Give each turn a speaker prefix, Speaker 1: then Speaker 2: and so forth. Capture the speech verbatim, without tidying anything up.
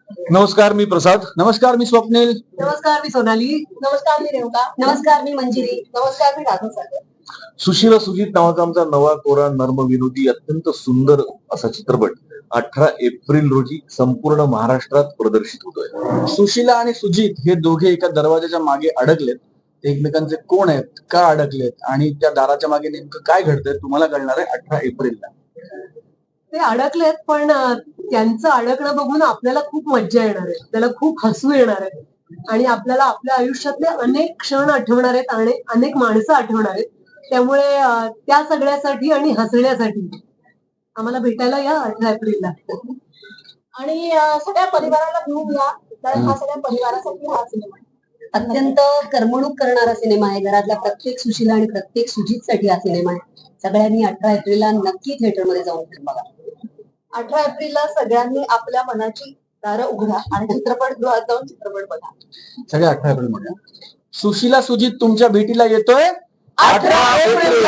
Speaker 1: नमस्कार, मी प्रसाद.
Speaker 2: नमस्कार, मी स्वप्नील.
Speaker 3: नमस्कार, मी सोनाली.
Speaker 4: नमस्कार, मी रेवका.
Speaker 3: नमस्कार, मी मंजिरी.
Speaker 4: नमस्कार, मी राघव सागर.
Speaker 1: सुशीला सुजित नावाचा आमचा नवा कोरा नर्म विनोदी अत्यंत सुंदर असा चित्रपट अठरा एप्रिल रोजी संपूर्ण महाराष्ट्रात प्रदर्शित होतोय.
Speaker 2: सुशीला आणि सुजित हे दोघे एका दरवाजाच्या मागे अडकलेत. ते एकमेकांचे कोण आहेत, का अडकलेत आणि त्या दाराच्या मागे नेमकं काय घडतंय तुम्हाला कळणार आहे अठरा एप्रिलला.
Speaker 3: ते अडकलेत, पण अं, त्यांचं अडकणं बघून आपल्याला खूप मज्जा येणार आहे, त्याला खूप हसू येणार आहे आणि आपल्याला आपल्या आयुष्यातले अनेक क्षण आठवणार आहेत आणि अनेक माणसं आठवणार आहेत. त्यामुळे अं, त्या सगळ्यासाठी आणि हसण्यासाठी आम्हाला भेटायला या अठरा एप्रिलला.
Speaker 4: आणि अं, सगळ्या परिवाराला घेऊन या, कारण हा सगळ्या परिवारासाठी हा सिनेमा आहे.
Speaker 3: अत्यंत करमणूक करणारा सिनेमा आहे. घरातल्या प्रत्येक सुशीला आणि प्रत्येक सुजितसाठी हा सिनेमा आहे. सगळ्यांनी अठरा एप्रिलला नक्की थिएटरमध्ये जाऊन फिल्म बघा.
Speaker 4: अठरा एप्रिलला सगळ्यांनी आपल्या मनाची दारं उघडा आणि चित्रपटगृहात जाऊन चित्रपट बघा.
Speaker 2: सगळ्या अठरा एप्रिल मध्ये सुशीला सुजित तुमच्या भेटीला येतोय
Speaker 1: अठरा एप्रिल